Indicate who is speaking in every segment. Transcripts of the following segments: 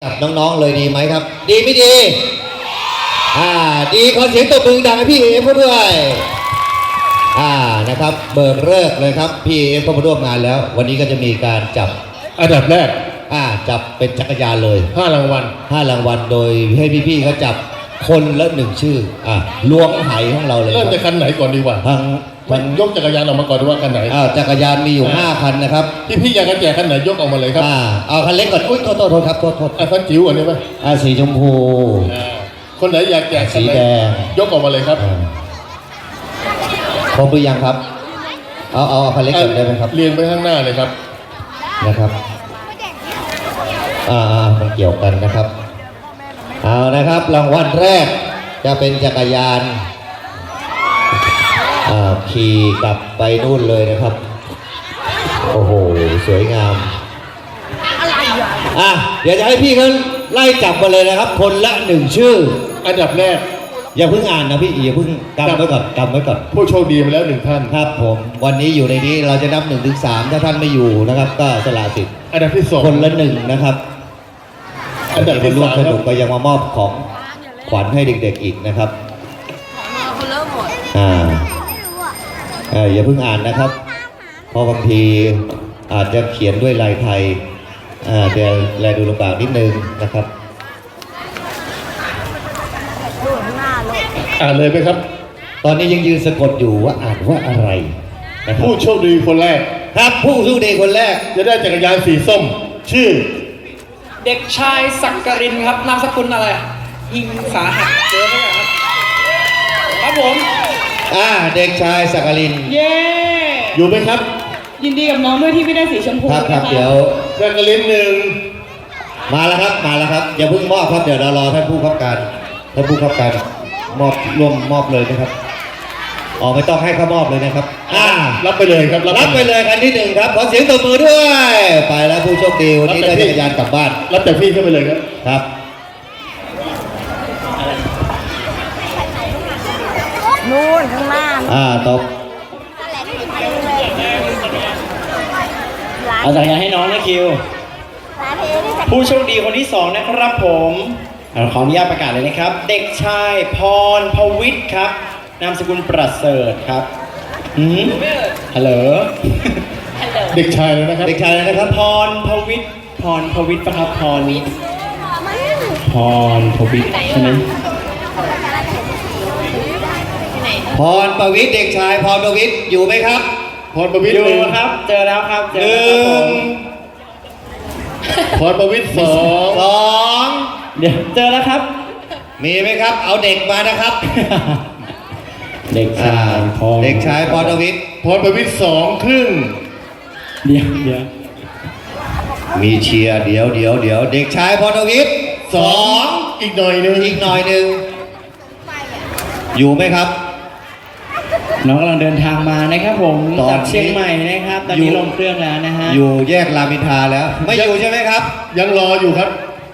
Speaker 1: กับน้องๆเลยดีไหมครับดีไม่ดีดีขอเสียงตบมือดังให้พี่เอฟเขาด้วยนะครับเบิกเลิกเลยครับพี่เอฟก็มาร่วมงานแล้ววันนี้ก็จะมีการจับ
Speaker 2: อันดับแรก
Speaker 1: จับเป็นจักรยานเลย
Speaker 2: 5 รางวัล
Speaker 1: โดยให้พี่ๆเขาจับคนละ1ชื่อล้วงไหของเราเลย
Speaker 2: เริ่มจากคันไหนก่อนดีกว่ามันยกจักรยานออกมาก่อนดูว่าคันไหน
Speaker 1: จักรยานมีอยู่5คันนะครับ
Speaker 2: พี่อยากจะแจกคันไหนยกออกมาเลยครับ
Speaker 1: เอาคันเล็กก่อนอุ้ยโทษครับโทษ
Speaker 2: คันจิ๋วอันนี้ไหม
Speaker 1: สีชมพู
Speaker 2: คนไหนอยากแจก
Speaker 1: สีแดง
Speaker 2: ยกออกมาเลยครับ
Speaker 1: ครบหรือยังครับเอาคันเล็กก่อนได้ไหมครับ
Speaker 2: เรียงไปข้างหน้าเลยครับ
Speaker 1: นะครับมันเกี่ยวกันนะครับเอานะครับรางวัลแรกจะเป็นจักรยานขี่กลับไปนู่นเลยนะครับโอ้โหสวยงามเดี๋ยวจะให้พี่เขาไล่จับมาเลยนะครับคนละ1ชื่อ
Speaker 2: อันดับแรก
Speaker 1: อย่าเพิ่งอ่านนะพี่อย่าเพิ่งกำไว้ก่อน
Speaker 2: ผู้โชคดีมาแล้ว1ท่าน
Speaker 1: ครับผมวันนี้อยู่ในนี้เราจะนับ1 ถึง 3ถ้าท่านไม่อยู่นะครับก็สละสิทธิ์
Speaker 2: อันดับที่2
Speaker 1: คนละ1นะครับ
Speaker 2: อันดับที่
Speaker 1: 3สนุกก็ยังมามอบของขวัญให้เด็กๆอีกนะครับอย่าเพิ่งอ่านนะครับเพราะบางทีอาจจะเขียนด้วยลายไทยเดี๋ยวแลดูลำบากนิดนึงนะครับ
Speaker 2: อ่านเลยไหมครับ
Speaker 1: ตอนนี้ยังยืนสะกดอยู่ว่าอ่านว่าอะไรนะครับ
Speaker 2: ผู้โชคดีคนแรก
Speaker 1: ครับผู้โชคดีคนแรก
Speaker 2: จะได้จักรยานสีส้มชื่อ
Speaker 3: เด็กชายสักกรินครับนามสกุลอะไรหิงสาหัสเจอไหมครับผม
Speaker 1: เด็กชายสักกริน
Speaker 3: เย้
Speaker 2: อยู่ไหมครับ
Speaker 3: ยินดีกับน้องด้วยที่ไม่ได้สีชมพู
Speaker 1: ครับเดี๋ยว
Speaker 2: สักกริน1
Speaker 1: มาแล้วครับอย่าเพิ่งมอบครับเดี๋ยวเรารอท่านผู้ขับการมอบร่วมมอบเลยนะครับไม่ต้องให้เขามอบเลยนะครับ
Speaker 2: รับไปเลยครับ
Speaker 1: รับไปเลยคันที่1ครับขอเสียงตบมือด้วยไปแล้วผู้โชคดีวันนี้ได้จักรยานกลับบ้าน
Speaker 2: รับแต่พี่ขึ้นไปเลย
Speaker 1: ครับ
Speaker 4: นู่นข้างหน้า
Speaker 1: ตบ
Speaker 3: เอาจักรยานให้น้องนะคิวผู้โชคดีคนที่2นะครับผมขออนุญาตประกาศเลยนะครับเด็กชายพรพวิทย์ครับนามสกุลประเสริฐครับฮัลโหล
Speaker 2: เด็กชายเลยนะครับ
Speaker 1: เด็กชายเลยนะครับ
Speaker 3: พรพวิทย์ปะครับพรพวิทย์ใช่ไหม
Speaker 1: พรประวิทย์เด็กชายพรประวิทย์อยู่ไหมครับ
Speaker 2: พรประวิทย์
Speaker 3: อยู่ครับเจอแล้วครับ
Speaker 2: พรประวิทย์2
Speaker 3: เดี๋ยวเจอแล้วครับ
Speaker 1: มีไหมครับเอาเด็กมานะครับ
Speaker 3: เด็กชายพ
Speaker 1: รประวิทย์
Speaker 2: 2 ครึ่ง
Speaker 3: เดี๋ยว
Speaker 1: มีเชียร์เดี๋ยวเด็กชายพรประวิทย์
Speaker 2: 2อีกหน่อยนึง
Speaker 1: อยู่ไหมครับ
Speaker 3: น้องกำลังเดินทางมานะครับผมจากเชียงใหม่นะครับตอนนี้ลงเครื่องแล้วนะฮะ
Speaker 1: อยู่แยกรามอินทราแล้วไม่อยู่ใช่ไหมครับ
Speaker 2: ยังรออยู่ครับ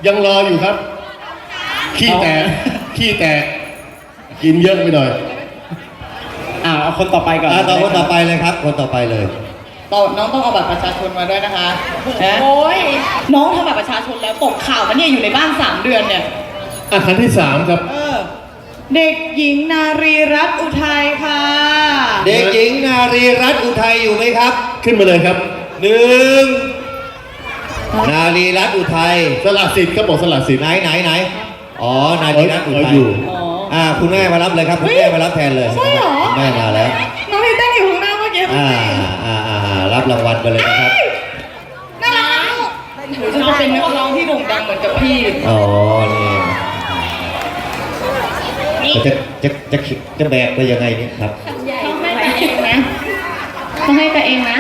Speaker 2: ขี้แตกกินเยอะไปหน่อย
Speaker 3: เอาคนต่อไปก่อน
Speaker 1: คนต่อไปเลยครับคนต่อไปเลย
Speaker 5: น้องต้องเอาบัตรประชาชนมาด้วยนะคะโอ้ยน้องทำบัตรประชาชนแล้วตกข่าวมันเนี่ยอยู่ในบ้าน3 เดือนเนี่ย
Speaker 2: คันที่3ครับ
Speaker 5: เด็กหญิงนารีรัตน์อุทัยค่ะ
Speaker 1: เด็กหญิงนารีรัตน์อุทัยอยู่ไหมครับ
Speaker 2: ขึ้นมาเลยครับ
Speaker 1: 1นารีรัตน์อุทัย
Speaker 2: สละสิทธิ์ครับบอกสละสิทธิ์
Speaker 1: ไหนนารีรัตน์อุทัยอยู่คุณแม่มารับเลยครับคุณแม่มารับแทนเลย
Speaker 5: ใช่เหรอ
Speaker 1: แม่มาแล้ว
Speaker 5: น้องพี่เต้นอยู่ข้างหน้าเมื่อกี้
Speaker 1: รับรางวัลไปเลยนะครับ
Speaker 5: น่ารักหนูจะเป็นนักร้องที่โด่งดังเหมือนกับพี่
Speaker 1: นี่จะแบกไปยังไงเนี่ยครับ
Speaker 5: ต้องให้ตัวเองนะ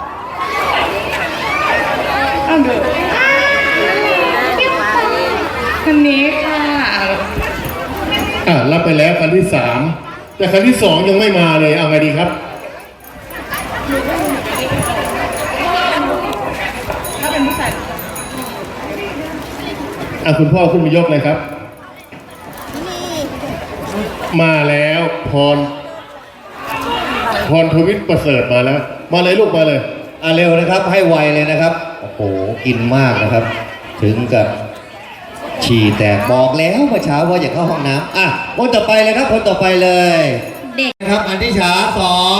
Speaker 5: เอาดูคันนี้ค่ะ
Speaker 2: รับไปแล้วคันที่3แต่คันที่2ยังไม่มาเลยเอาไงดีครับ
Speaker 5: ถ้าเป็นผู้ชาย
Speaker 2: คุณพ่อขึ้นมายกเลยครับมาแล้วพรทวิทย์ประเสริฐมาแล้วมาเลยลูกมาเลย
Speaker 1: เร็วนะครับให้ไวเลยนะครับโอ้โหกินมากนะครับถึงกับฉี่แตกบอกแล้วเมื่อเช้าว่าอย่าเข้าห้องน้ำอ่ะคนต่อไปเลยครับคนต่อไปเลย
Speaker 4: เด็ก
Speaker 1: นะครับอันที่สาสอง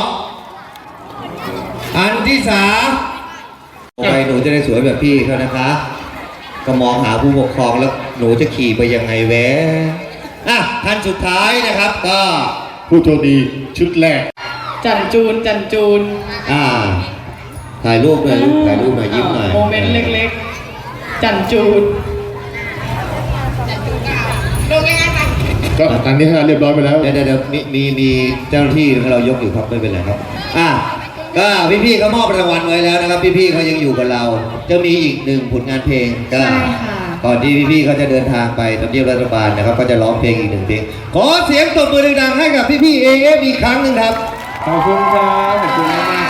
Speaker 1: อันที่สามไปหนูจะได้สวยแบบพี่เขานะคะ ก็มองหาผู้ปกครองแล้วหนูจะขี่ไปยังไงแวะอ่ะท่านสุดท้ายนะครับ ก็
Speaker 2: ผู้โชคดีชุดแรก
Speaker 5: จันจูนจันจูน
Speaker 1: ถ่ายรูปหน่อยลูกถ่ายรูปหน่อยยิ้มหน่อย
Speaker 5: โมเมนต์เล็กๆ จันจูน
Speaker 2: ก็อันนี้เรียบร้อยไปแล้ว
Speaker 1: เดี๋ยวมีเจ้าหน้าที่ให้เรายกอยู่ครับไม่เป็นไรครับก็พี่ๆเขามอบรางวัลไว้แล้วนะครับ พี่ๆเขายังอยู่กับเรา จะมีอีกหนึ่งผลงานเพลงก็
Speaker 5: ใช่ค่ะ
Speaker 1: ก่อนที่พี่ๆเขาจะเดินทางไปทำเนียบรัฐบาลนะครับ ก็จะร้องเพลงอีกหนึ่งเพลงขอเสียงตบมือดังๆให้กับพี่ๆAFอีกครั้งหนึ่งครับ
Speaker 3: ขอบคุณครับขอบคุณมาก